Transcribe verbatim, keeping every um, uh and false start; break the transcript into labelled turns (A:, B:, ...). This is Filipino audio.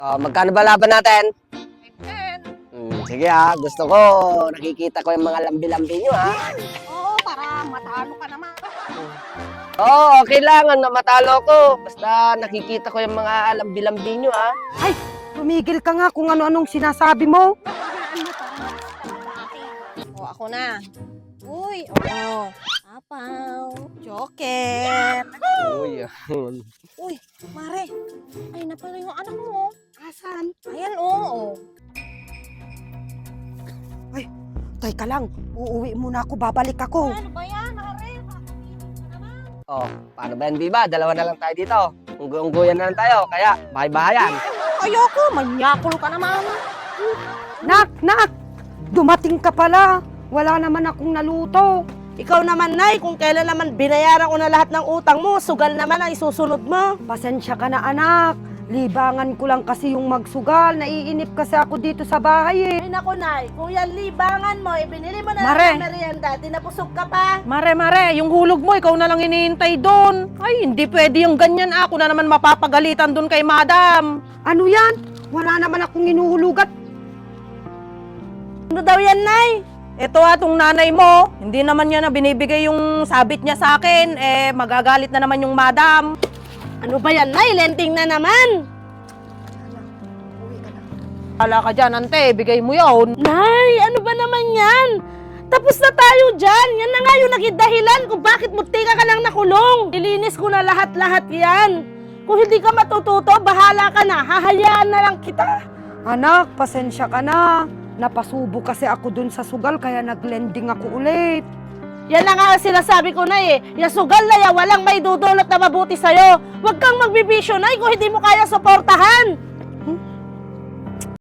A: Oh, magkano ba laban natin?
B: Ten.
A: Hmm, sige ha, gusto ko. Nakikita ko yung mga lambi-lambi nyo ha.
B: Oo, para matalo ka naman.
A: Oo, oh, okay lang na matalo ko. Basta nakikita ko yung mga lambi-lambi nyo ha.
C: Ay, tumigil ka nga kung ano-anong sinasabi mo.
B: Hayaan mo para makita O, ako na. Uy, oo. Apaw. Joker.
A: Uy, yun.
B: Uy, Mare. Ay na pala yung anak mo.
C: Asan?
B: Ayan, oo.
C: Teka lang, uuwi muna ako, babalik ako.
B: Ano ba yan, Mare? Kakapitin ka naman.
A: Oh, paano ba yan, Biba? Dalawa na lang tayo dito. Unggo-ungguyan na lang tayo. Kaya, bahay-bahayan.
B: Ayoko, manyakol ka naman.
C: Nak, nak! Dumating ka pala. Wala naman akong naluto.
D: Ikaw naman, Nay, kung kailan naman binayaran ko na lahat ng utang mo, sugal naman ang isusunod mo.
C: Pasensya ka na, anak. Libangan ko lang kasi yung magsugal. Naiinip kasi ako dito sa bahay eh.
D: Ay naku, Nay, kung yan libangan mo, ibinili mo na
C: Mare.
D: lang ng merienda, tinapusog ka pa.
E: Mare, mare, yung hulog mo, ikaw na lang hinihintay doon. Ay, hindi pwede yung ganyan. Ako na naman mapapagalitan doon kay madam.
C: Ano yan? Wala naman akong inuhulugat.
D: Ano daw yan, Nay?
E: Ito atong nanay mo, hindi naman niya na binibigay yung sabit niya sa akin. Eh, magagalit na naman yung madam.
D: Ano ba yan, Nay? Lenting na naman.
E: Hala ka dyan, ante, bigay mo yun.
D: Nay, ano ba naman yan? Tapos na tayo dyan. Yan na nga yung naging dahilan kung bakit mutika ka lang nakulong. Ilinis ko na lahat-lahat yan. Kung hindi ka matututo, bahala ka na. Hahayaan na lang kita.
C: Anak, pasensya ka na. Napasubo kasi ako dun sa sugal kaya naglending ako ulit.
D: Yan na nga ang sinasabi ko, Nay, eh. Yung sugal na yan, walang may dudulot na mabuti sa'yo. Huwag kang magbibisyo, Nay, kung hindi mo kaya suportahan.